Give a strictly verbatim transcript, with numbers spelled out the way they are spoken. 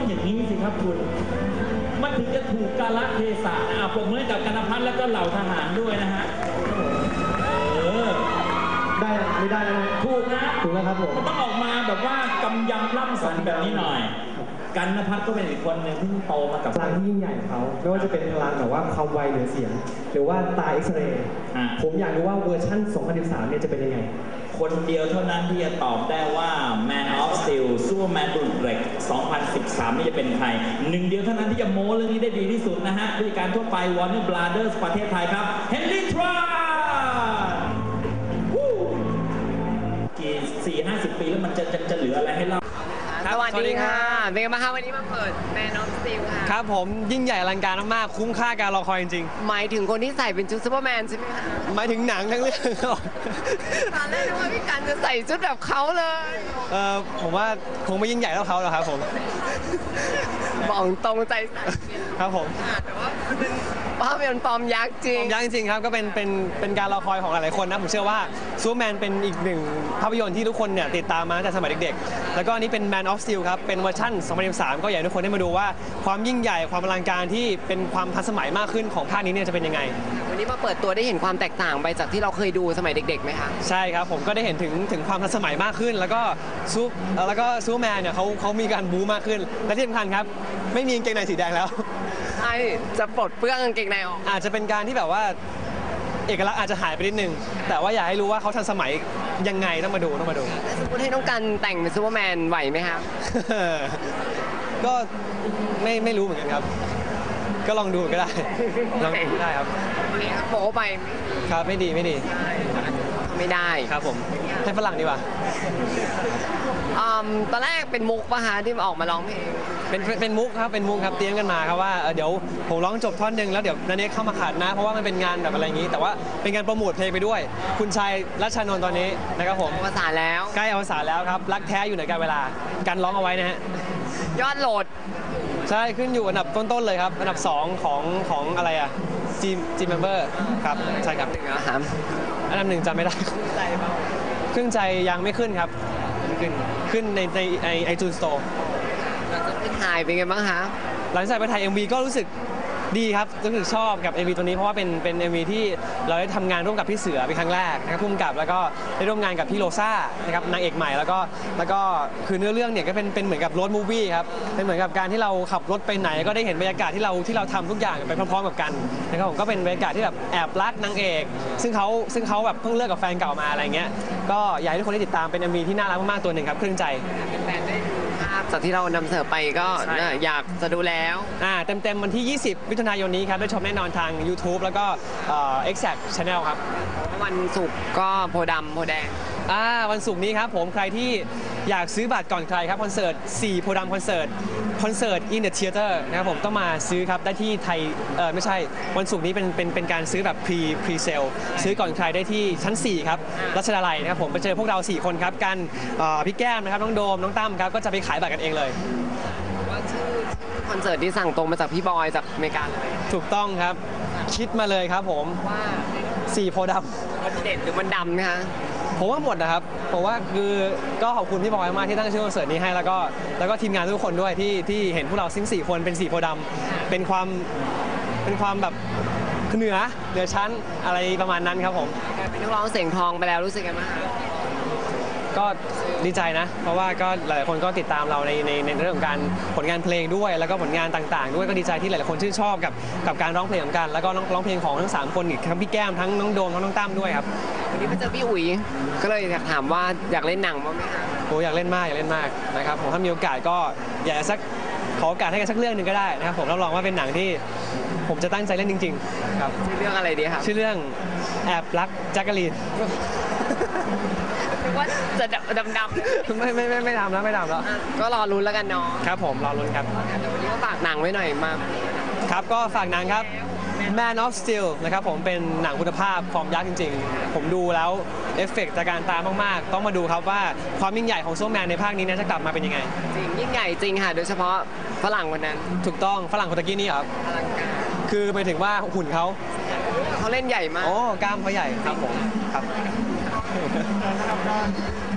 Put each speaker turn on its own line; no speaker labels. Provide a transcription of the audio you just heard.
อย่างนี้สิครับคุณมันถึงจะถูกกาลเทศะนะปรบมือกับกนพัฒน์แล้วก็เหล่าทหารด้วยนะฮะเออ
ได้ไม่ได้นะ
ถูกนะ
ถูกแล้วครับผม
มันต้องออกมาแบบว่ากำยำล่ำสันแบบนี้หน่อยกันนภัทรก็เป็นอีกคนหนึ่งที่โตมากับ
พลังที่ยิ่งใหญ่ของเขาไม่ว่าจะเป็นพลังแบบว่าความไวเหนือเสียงหรือว่าตาเอ็กซเรย์ผมอยากรู้ว่าเวอร์ชั่นสองพันสิบสามเนี่ยจะเป็นยังไง
คนเดียวเท่านั้นที่จะตอบได้ว่า Man of Steel ซูเปอร์แมนดุลเหล็กสองพันสิบสามนี่จะเป็นใครหนึ่งเดียวเท่านั้นที่จะโม้เรื่องนี้ได้ดีที่สุดนะฮะด้วยการทั่วไป Warner Brothers ประเทศไทยครับ Henry Tran กี่สี่ห้าสิบปีแล้วมันจะจะจะเหลืออะไรให้เล่า
สวัสดีค่ะเป็นไงบ้างคะวันนี้มาเปิด Man of Steel ค่ะ
ครับผมยิ่งใหญ่อลังการมากคุ้มค่าการรอคอยจริง
ๆหมายถึงคนที่ใส่เป็นชุดซูเปอร์แมนใช่ไหมคะ
หมายถึงหนังทั้งเรื่อง
ตอนแรกนึกว่าพี่กันจะใส่ชุดแบบเขาเลย
เออผมว่าคงไม่ยิ่งใหญ่เท่าเขาหรอกครับผม
บอกตรงใจสั่น
ครับผม
แต่ว่าเป็นภาพยนตร์ปลอมยักษ์จริง
ปลอมยักษ์จริงครับก็เป็นเป็นเป็นการรอคอยของหลายๆคนนะผมเชื่อว่าซูเปอร์แมนเป็นอีกหนึ่งภาพยนตร์ที่ทุกคนเนี่ยติดตามมาตั้งแต่สมัยเด็กๆแล้วก็นี่เป็น Man of Steel ครับเป็นเวอร์ชั่นสองพันสิบสามก็อยากให้ทุกคนได้มาดูว่าความยิ่งใหญ่ความอลังการที่เป็นความทันสมัยมากขึ้นของภาคนี้เนี่ยจะเป็นยังไง
วันนี้มาเปิดตัวได้เห็นความแตกต่างไปจากที่เราเคยดูสมัยเด็กๆไหมคะ
ใช่ครับผมก็ได้เห็นถึงถึงความทันสมัยมากขึ้นแล้วก็ซูแล้วก็ซูเปอร์แมนเนี่ยเขาเขามีการบู๊มากขึ้นและที่สำคัญครับไม่มีกางเกงในสีแดงแล้ว
ใช่จะปลดเปลื้องกางเกงในออก
อาจจะเป็นการที่แบบว่าเอกลักษณ์อาจจะหายไปนิดนึงแต่ว่าอยากให้รู้ว่าเขาทันสมัยยังไงต้องมาดูต้องมาดู
สมมติให้น้องกันแต่งเป็นซูเปอร์แมนไหวไหมครับ
ก็ไม่ไม่รู้เหมือนกันครับก็ลองดูก็ได้ลองดูได้ครับ
โป๊ไป
ครับไม่ดีไม่ดี
ไม่ได้
ครับผมให้ฝรั่งดีกว่า
ตอนแรกเป็นมุกป่ะฮะที่ออกมาร้องเพลง
เป็นเป็นมุกครับเป็นมุกครับเตรียมกันมาครับว่าเดี๋ยวผมร้องจบท่อนหนึ่งแล้วเดี๋ยวนันเนกเข้ามาขัดนะเพราะว่ามันเป็นงานแบบอะไรอย่างนี้แต่ว่าเป็นการโปรโมทเพลงไปด้วยคุณชายรัชชานนท์ตอนนี้นะครับผม
อวสานแล้ว
ใกล้อวสานแล้วครับรักแท้อยู่ในการเวลาการร้องเอาไว้นะฮะ
ยอดโหลด
ใช่ขึ้นอยู่อันดับต้นๆเลยครับอันดับสองของของอะไรอ่ะจีจีเมมเบอร์ครับใช่ครับอันดับหนึ่งจำไม่ได้ขึ้นใจยังไม่ขึ้นครับขึ้นขึ้นในในไอไอจูนสโตร์
เราจะไปถ่ายเป็นไงบ้างคะ
หลังจากไปถ่าย เอ็ม วี ก็รู้สึกดีครับรู้สึกชอบกับ เอ็ม วี ตัวนี้เพราะว่าเป็นเป็น เอ็ม วี ที่เราได้ทำงานร่วมกับพี่เสือเป็นครั้งแรกนะครับพุ่มกับแล้วก็ได้ร่วมงานกับพี่โลซ่านะครับนางเอกใหม่แล้วก็แล้วก็คือเนื้อเรื่องเนี่ยก็เป็นเป็นเหมือนกับรถมูฟวี่ครับเป็นเหมือนกับการที่เราขับรถไปไหนก็ได้เห็นบรรยากาศที่เราที่เราทำทุกอย่างไปพร้อมๆกับกันนะครับผมก็เป็นบรรยากาศที่แบบแอบรักนางเอกซึ่งเขาซึ่งเขาแบบเพิ่งเลิกกับแฟนเก่ามาอะไรเงี้ยก็อยากให้ทุกคนได้ติดตามเป็น เอ็ม วี ที่น่ารักมากๆตัวหนึ่งครับครึ่งใจ
จากที่เรานำเสนอไปก็อยากจะดูแล้ว
อ่าเต็มๆวันที่ยี่สิบมิถุนายนนี้ครับได้ชมแน่นอนทาง YouTube แล้วก็ Exact Channel ครับ
วันศุกร์ก็โพดำโพแดง
อ่าวันศุกร์นี้ครับผมใครที่อยากซื้อบัตรก่อนใครครับคอนเสิร์ตสี่โพดำคอนเสิร์ตคอนเสิร์ต In the Theater นะครับผมต้องมาซื้อครับได้ที่ไทยเออไม่ใช่วันศุกร์นี้เป็นเป็นเป็นการซื้อแบบ pre pre sale ซื้อก่อนใครได้ที่ชั้นสี่ครับรัชดาลัยนะครับผมไปเจอพวกเราสี่คนครับกันพี่แก้มนะครับน้องโดมน้องตั้มครับก็จะไปขายบัตรกันเองเลย
ว่าชื่อคอนเสิร์ตที่สั่งตรงมาจากพี่บอยจากอเมริกาเลย
ถูกต้องครับคิดมาเลยครับผม
ว่า
สี่โพดำ
มันเด็ดหรือมันดำนะคะ
ผมว่าหมดนะครับผมว่าคือก็ขอบคุณพี่บอยมากที่ตั้งชื่อคอนเสิร์ตนี้ให้แล้วก็แล้วก็ทีมงานทุกคนด้วยที่ที่เห็นพวกเราซิ่งสี่คนเป็นสี่โพดำเป็นความเป็นความแบบเหนือเหนือชั้นอะไรประมาณนั้นครับผม
เป็นนักร้องเสียงทองไปแล้วรู้สึกไงบ้าง
ก็ดีใจนะเพราะว่าก็หลายคนก็ติดตามเราในในในเรื่องของการผลงานเพลงด้วยแล้วก็ผลงานต่างๆด้วยก็ดีใจที่หลายๆคนชื่นชอบกับกับการร้องเพลงของกันแล้วก็ร้องเพลงของทั้งสามคนอีกทั้งพี่แก้มทั้งน้องโดมทั้งน้องตั้มด้วยครับ
วันนี้ไปเจอพี่อุ๋ยก็เลยอยากถามว่าอยากเล่นหนังบ้างไหมคะ
โอ้อยากเล่นมากอยากเล่นมากนะครับผมถ้ามีโอกาสก็อยากสักขอโอกาสให้กันสักเรื่องหนึ่งก็ได้นะครับผมรับรองว่าเป็นหนังที่ผมจะตั้งใจเล่นจริงๆครับ
ชื่อเรื่องอะไรดีครับ
ชื่อเรื่องแอบรักแจ็คกะลีน
ว่าจะดำด
ำไม่ไม่ไม่ไม่ทำแล้วไม่ทำแล้ว
ก็รอลุ้นแล้วกันเนาะ
ครับผมรอลุ้นครับ
แต่วันนี้ก็ฝากหนังไว้หน่อยมา
ครับก็ฝากหนังครับ Man of Steel นะครับผมเป็นหนังคุณภาพฟอร์มยักษ์จริงๆผมดูแล้วเอฟเฟกต์จากการตามากๆต้องมาดูครับว่าความยิ่งใหญ่ของซูเปอร์แมนในภาคนี้จะกลับมาเป็นยังไง
จริงยิ่งใหญ่จริงค่ะโดยเฉพาะฝรั่งคนนั้น
ถูกต้องฝรั่งคนตะกี้นี่ครับคือหมายถึงว่าหุ่นเขา
เขาเล่นใหญ่มาก
โอ้กล้ามเขาใหญ่ครับผมครับ